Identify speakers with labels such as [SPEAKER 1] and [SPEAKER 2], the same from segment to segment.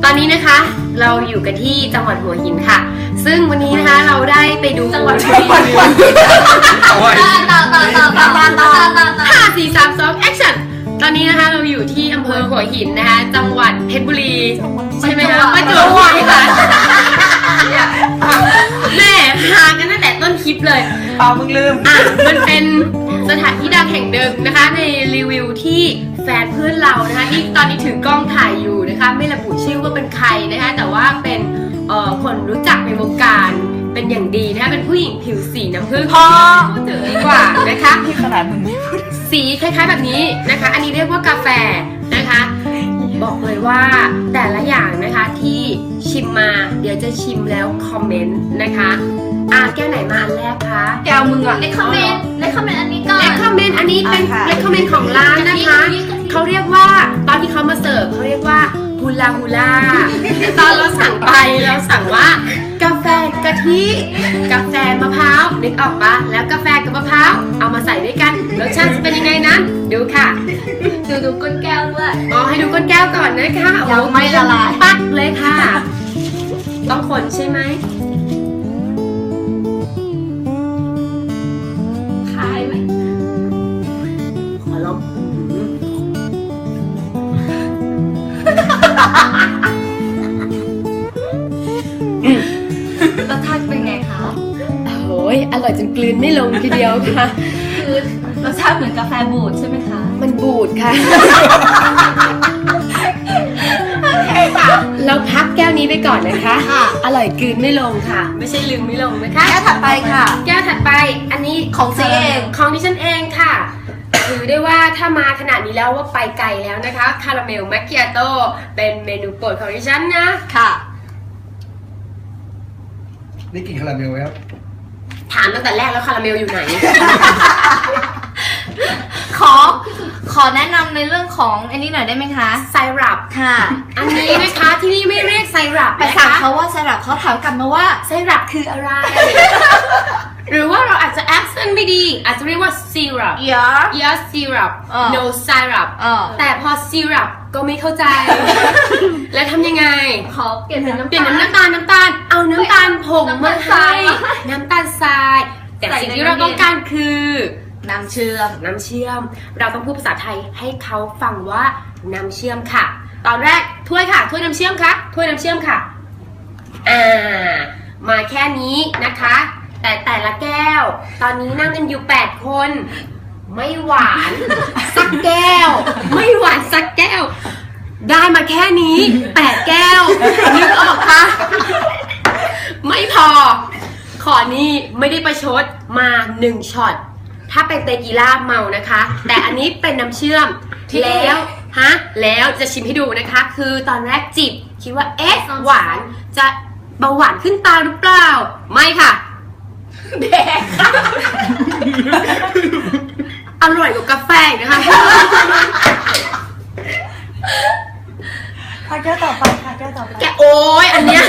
[SPEAKER 1] ตอนนี้นะคะเราอยู่กันที่จังหวัดหัวหินค่ะซึ่งวันนี้นะคะเราได้ไปดูจังหวัดหัวหิน5 4 3 2 action ตอนนี้นะคะเราอยู่ที่อำเภอหัวหินนะคะจังหวัดเพชรบุรีใช่ไหมคะประจวบคีรีขันธ์แม่หากันตั้งแต่ต้นคลิปเลย
[SPEAKER 2] มึงลืม
[SPEAKER 1] มันเป็นสถานที่ดังแห่งหนึ่งนะคะในรีวิวที่แฟนเพื่อนเรานะคะที่ตอนนี้ถือกล้องถ่ายอยู่นะคะไม่ระบุชื่อว่าเป็นใครนะคะแต่ว่าเป็นคนรู้จักในวงการเป็นอย่างดีนะคะเป็นผู้หญิงผิวสีน้ำผึ้งพูดถึงดีกว่านะคะ
[SPEAKER 2] ที่ขนาดมึงไม่พูด
[SPEAKER 1] สีคล้ายๆแบบนี้นะคะอันนี้เรียกว่ากาแฟนะคะบอกเลยว่าแต่ละอย่างนะคะที่ชิมมาเดี๋ยวจะชิมแล้วคอมเมนต์นะคะแก้วไหนมาอันแรกคะ
[SPEAKER 2] แก้วมึงอะ
[SPEAKER 3] เลคคอมเมนต์อันนี้ก่อน
[SPEAKER 1] เลคคอมเมนต์อันนี้เป็นเลคคอมเมนต์ของร้านนะคะเขาเรียกว่าตอนที่เขามาเสิร์ฟเขาเรียกว่าฮูลาฮูลาตอนเราสั่งไปเราสั่งว่ากาแฟกะทิกาแฟมะพร้าวนึกออกปะแล้วกาแฟกับมะพร้าวเอามาใส่ด้วยกันรสชาติจะเป็นยังไงนั้นดูค่ะ
[SPEAKER 3] ดูก้นแก้วด้วย
[SPEAKER 1] ให้ดูก้นแก้วก่อนนะคะ
[SPEAKER 3] ยังไม่ละลาย
[SPEAKER 1] ปัดเลยค่ะต้องคนใช่ไหม
[SPEAKER 3] คายไหม
[SPEAKER 1] ขอลอง
[SPEAKER 3] รสชาติเป็นไงคะ
[SPEAKER 1] โอ้ยอร่อยจนกลืนไม่ลงทีเดียวค่ะ
[SPEAKER 3] คือรสชาติเหมือนกาแฟบูดใช่ไหมคะ
[SPEAKER 1] มันบูดค่ะเราพักแก้วนี้ไปก่อนนะคะอร่อยกลืนไม่ลงค่ะไม่ใช่ลืมไม่ลงนะคะ
[SPEAKER 3] แก้วถัดไปค่ะ
[SPEAKER 1] แก้วถัดไปอันนี้
[SPEAKER 3] ของซีเอง
[SPEAKER 1] ของดิฉันเองค่ะถือได้ว่าถ้ามาขนาดนี้แล้วว่าไปไกลแล้วนะคะคาราเมลแมคคิอาโต้เป็นเมนูโปรดของดิฉันนะ
[SPEAKER 3] ค่ะ
[SPEAKER 2] ได้กลิ่นคาราเมลไหมครับ
[SPEAKER 1] ถามตั้งแต่แรกแล้วคาราเมลอยู่ไหน
[SPEAKER 3] ขอแนะนำในเรื่องของอันนี้หน่อยได้ไหมคะ
[SPEAKER 1] ไซรัป
[SPEAKER 3] ค่ะ
[SPEAKER 1] อันนี้นะคะที่นี่ไม่เรียกไซรัป
[SPEAKER 3] ไปถามเขาว่าไซรัปเขาถามกลับมาว่า
[SPEAKER 1] ไซรัปคืออะไร หรือว่าเราอาจจะ accent ไม่ดีอาจจะเรียกว่า syrup yes syrup no syrup แต่พอ syrup ก็ไม่เข้าใจ แล้วทำยังไง
[SPEAKER 3] ขอเปลี่ยนเป็นน้ำ
[SPEAKER 1] ตาลเอาน้ำตาลผงมาใส่น้ำตาลทรายแต่สิ่งที่เราต้องการคือ
[SPEAKER 3] น้ำเชื่อม
[SPEAKER 1] เราต้องพูดภาษาไทยให้เขาฟังว่าน้ำเชื่อมค่ะตอนแรกถ้วยค่ะถ้วยน้ำเชื่อมค่ะถ้วยน้ำเชื่อมค่ะมาแค่นี้นะคะแต่ละแก้วตอนนี้นั่งกันอยู่8คนไม่หวานสักแก้วไม่หวานสักแก้วได้มาแค่นี้8แก้วนึกออกคะไม่พอขอนี้ไม่ได้ประชดมา1ช็อตถ้าเป็นเตกีล่าเมานะคะแต่อันนี้เป็นน้ำเชื่อมแล้วจะชิมให้ดูนะคะคือตอนแรกจิบคิดว่าหวานจะเบาหวานขึ้นตาหรือเปล่าไม่ค่ะ
[SPEAKER 3] แดก
[SPEAKER 1] อร่อยกว่ากาแฟนะคะ
[SPEAKER 3] แก้วต่อไป
[SPEAKER 1] แกโอ้ยอันเนี้ย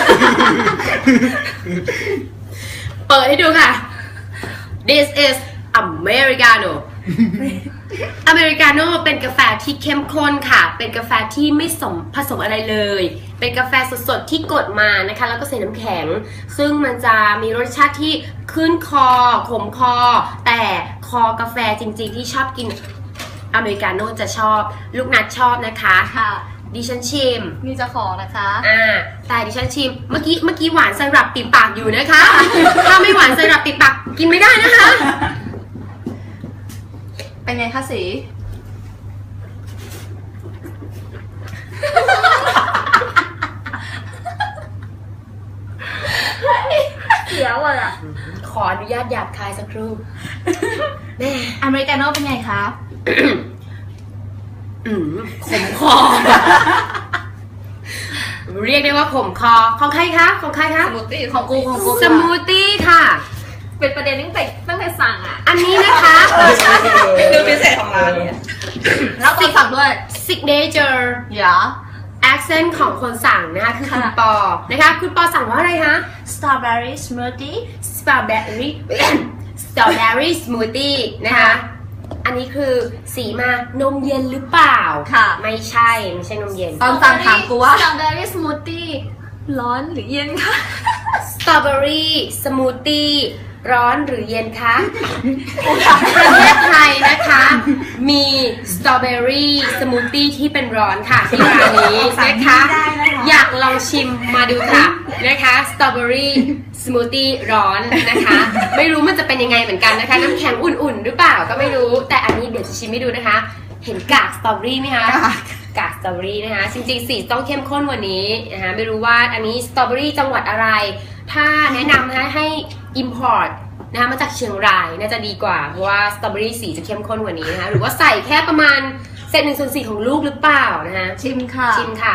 [SPEAKER 1] เปิดให้ดูค่ะ This is Americano อเมริกาโน่เป็นกาแฟที่เข้มข้นค่ะเป็นกาแฟที่ไม่ผสมอะไรเลยเป็นกาแฟสดๆที่กดมานะคะแล้วก็ใส่น้ำแข็งซึ่งมันจะมีรสชาติที่ขึ้นคอขมคอแต่คอกาแฟจริงๆที่ชอบกินอเมริกาโน่จะชอบลูกนัดชอบนะคะ
[SPEAKER 3] ค่ะ
[SPEAKER 1] ดิฉันชิม
[SPEAKER 3] มีเจ้าของนะคะ
[SPEAKER 1] แต่ดิฉันชิมเมื่อกี้หวานไซรัปติดปากอยู่นะคะถ้าไม่หวานไซรัปติดปากกินไม่ได้นะคะ
[SPEAKER 3] เป็นไงคะสีเสียวอ่ะ
[SPEAKER 1] ขออนุญาตหยาบคายสักครู่แม่
[SPEAKER 3] อเมริกาโน่เป็นไงคะ
[SPEAKER 1] ขมคอเรียกได้ว่าขมคอของใครคะส
[SPEAKER 3] มูทตี้ของกู
[SPEAKER 1] สมูทตี้ค่ะ
[SPEAKER 3] เป็นประเด็นตั้งแต่สั่ง
[SPEAKER 1] อันนี้นะคะ
[SPEAKER 2] คือพิเศษของร้านเนี่ย
[SPEAKER 3] แล้วติดสั่งด้วย
[SPEAKER 1] signature accent ของคนสั่งนะคะคือคุณปอนะคะคุณปอสั่งว่าอะไรคะ
[SPEAKER 3] strawberry smoothie
[SPEAKER 1] strawberry smoothie นะคะอันนี้คือสีมานมเย็นหรือเปล่า
[SPEAKER 3] ค่ะ
[SPEAKER 1] ไม่ใช่นมเย็น
[SPEAKER 3] ตอนสั่งถามกูว่า
[SPEAKER 4] สตรอเบอรี่สมูทตี้ร้อนหรือเย็นคะ
[SPEAKER 1] สตรอเบอรี่สมูทตี้ร้อนหรือเย็นคะประเทศไทยนะคะ มีสตรอเบอรี่สมูทตี้ที่เป็นร้อนค่ะที่ร้านนี้นะคะ อยากลองชิมมาดูค่ะนะคะสตรอเบอรี่สมูทตี้ร้อนนะคะ ไม่รู้มันจะเป็นยังไงเหมือนกันนะคะ น้ำแข็งอุ่นๆหรือเปล่าก็ไม่รู้ แต่อันนี้เดี๋ยวจะชิมให้ดูนะคะ เห็นกากสตรอเบอรี่ไหมคะ กากสตรอเบอรี่นะคะจริงๆสีต้องเข้มข้นกว่านี้นะคะไม่รู้ว่าอันนี้สตรอเบอรี่จังหวัดอะไร ถ้าแนะนำนะคะให้ import นะคะมาจากเชียงรายน่าจะดีกว่าเพราะว่าสตรอเบอรี่สีจะเข้มข้นกว่านี้นะคะหรือว่าใส่แค่ประมาณเศษ1/4ของลูกหรือเปล่านะคะ
[SPEAKER 3] ชิมค่ะ
[SPEAKER 1] ชิมค่ะ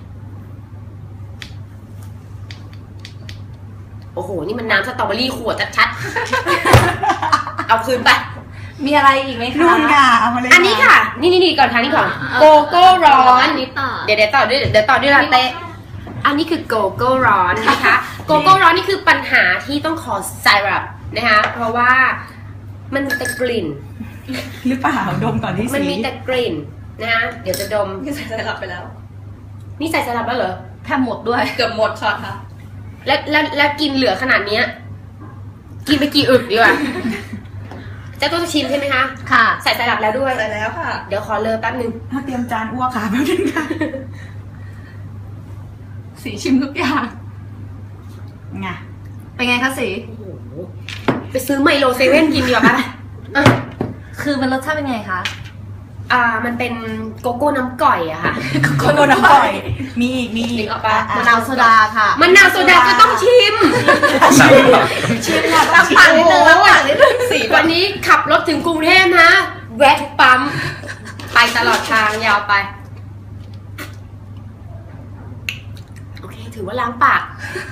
[SPEAKER 1] โอ้โหนี่มันน้ำสตรอเบอรี่ขวดชัดๆ เอาคืนไป
[SPEAKER 3] มีอะไรอีกไหมคะ
[SPEAKER 2] นู่นค่ะเอามาเลย
[SPEAKER 1] อันนี้ค่ะนี่ก่อนค่ะนี่ก่อนโกโก้ร้อน
[SPEAKER 4] อันนี้ต่อ
[SPEAKER 1] เดี๋ยวต่อด้วยลาเต้อันนี้คือโกโก้ร้อนนะคะโกโก้ร้อนนี่คือปัญหาที่ต้องขอไซรัปนะคะเพราะว่ามันมีแต่กลิ่น
[SPEAKER 2] หรือเปล่าดมก่อนที่
[SPEAKER 1] มัน
[SPEAKER 2] สี
[SPEAKER 1] มีแต่กลิ่นนะคะเดี๋ยวจะดม
[SPEAKER 2] นี่ใส่สลับไปแล้ว
[SPEAKER 1] นี่ใส่ไซรัปแล้วเหรอ
[SPEAKER 3] แทบหมดด้วย
[SPEAKER 2] เกือบหมดช็อตค่ะ
[SPEAKER 1] แล้วกินเหลือขนาดเนี้ยกินไปกี่อึกดีกว่าเจ้าตัวจะชิมใช่ไหมคะ
[SPEAKER 3] ค่ะ
[SPEAKER 1] ใส่ไซรัปแล้วด้วย
[SPEAKER 2] ใส่แล้วค่ะ
[SPEAKER 1] เดี๋ยวขอเลอแป๊บนึง
[SPEAKER 2] ถ้าเตรียมจานอ้วกค่ะแป๊บนึงค่ะ
[SPEAKER 3] สีชิมทุกอย่าง
[SPEAKER 2] ไง
[SPEAKER 3] เป็นไงคะสี
[SPEAKER 1] โอ้โหไปซื้อไมโลเซเว่นกินดีกว่าปะอ่ะ
[SPEAKER 3] คือมันรสชาติเป็นไงคะ
[SPEAKER 1] มันเป็นโกโก้น้ำก่อยอะค่ะ
[SPEAKER 2] คนโดนน้ำปล่อยมีอีก
[SPEAKER 1] นึกออกปะ
[SPEAKER 3] มะนาวโซดาค่ะ
[SPEAKER 1] มะนาวโซดาก็ต้องชิม
[SPEAKER 2] ชิมค่ะ
[SPEAKER 3] ล้างปากนิดนึงล้างปากนิดนึง
[SPEAKER 1] สีวันนี้ขับรถถึงกรุงเทพนะ แวะทุกปั๊ม ไปตลอดทางยาวไป โอเค ถือว่าล้างปาก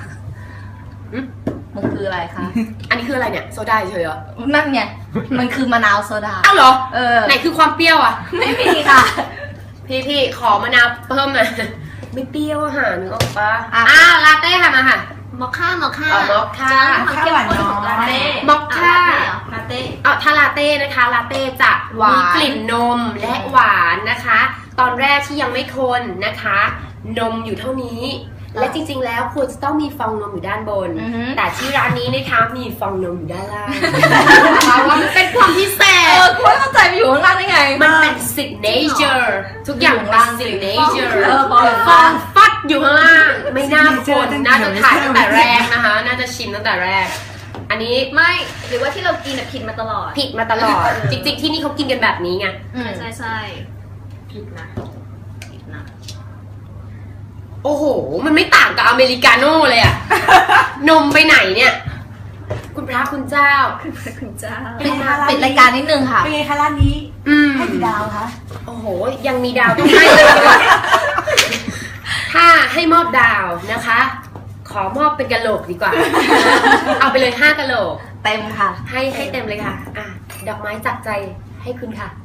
[SPEAKER 3] มันคืออะไรคะ
[SPEAKER 1] อันนี้คืออะไรเนี่ย โซดาเฉยเหรอ
[SPEAKER 3] นั่นไง มันคือมะนาวโซดา
[SPEAKER 1] อ้าวเหรอ
[SPEAKER 3] เออ
[SPEAKER 1] ไหนคือความเปรี้ยวอะ
[SPEAKER 3] ไม่มีค่ะ
[SPEAKER 1] พี่ขอมะนาวเพิ่มหน่อยไม่เปรี้ยวอะค่ะนึกออกปะ
[SPEAKER 3] อ่ะ
[SPEAKER 1] ลาเต้ค่ะมาค่ะ
[SPEAKER 4] มอคค่ามอคค่า
[SPEAKER 1] อ๋อมอคค่า
[SPEAKER 4] จะได้ความเข้มข้นของลาเต้
[SPEAKER 1] มอคค่า
[SPEAKER 4] ลาเต้
[SPEAKER 1] ถ้าลาเต้นะคะลาเต้จะ
[SPEAKER 3] หวาน
[SPEAKER 1] มีกลิ่นนมและหวานนะคะ ตอนแรกที่ยังไม่คนนะคะ นมอยู่เท่านี้ และจริงๆแล้วควรจะต้องมีฟองนมอยู่ด้านบน
[SPEAKER 3] อือฮึ
[SPEAKER 1] แต่ที่ร้านนี้นะคะมีฟองนมอยู่ด้านล่างเพราะว่ามันเป็นความพิเศษ
[SPEAKER 3] คุณไม่เข้าใจไปอยู่ข้างล่างได้ไง
[SPEAKER 1] มันเป็น signature ทุกอย่างเป็น signature
[SPEAKER 3] บอกเลย
[SPEAKER 1] ฟองฟัดอยู่ข้างล่าง ไม่น่าคนน่าจะถ่ายตั้งแต่แรกนะคะ น่าจะชิมตั้งแต่แรก อันนี้
[SPEAKER 4] ไม่หรือว่าที่เรากินผิดมาตลอด
[SPEAKER 1] ผิดมาตลอด จริงๆที่นี่เขากินกันแบบนี้ไง
[SPEAKER 4] ใช่ผิดนะ
[SPEAKER 1] โอ้โห มันไม่ต่างกับอเมริกาโน่เลยอะ นมไปไหนเนี่ย คุณพระคุณเจ้า
[SPEAKER 4] คุณเจ้า
[SPEAKER 3] ปิดรายการนิดนึงค่ะ
[SPEAKER 2] เป็นไงคะร้านนี้ ให้กี่ดาวคะ
[SPEAKER 1] โอ้โห ยังมีดาวต้องให้เลยดีกว่าถ้าให้มอบดาวนะคะ ขอมอบเป็นกะโหลกดีกว่า เอาไปเลย5กะโหลก
[SPEAKER 3] เต็มค่ะ
[SPEAKER 1] ให้เต็มเลยค่ะ ดอกไม้จากใจให้คุณค่ะ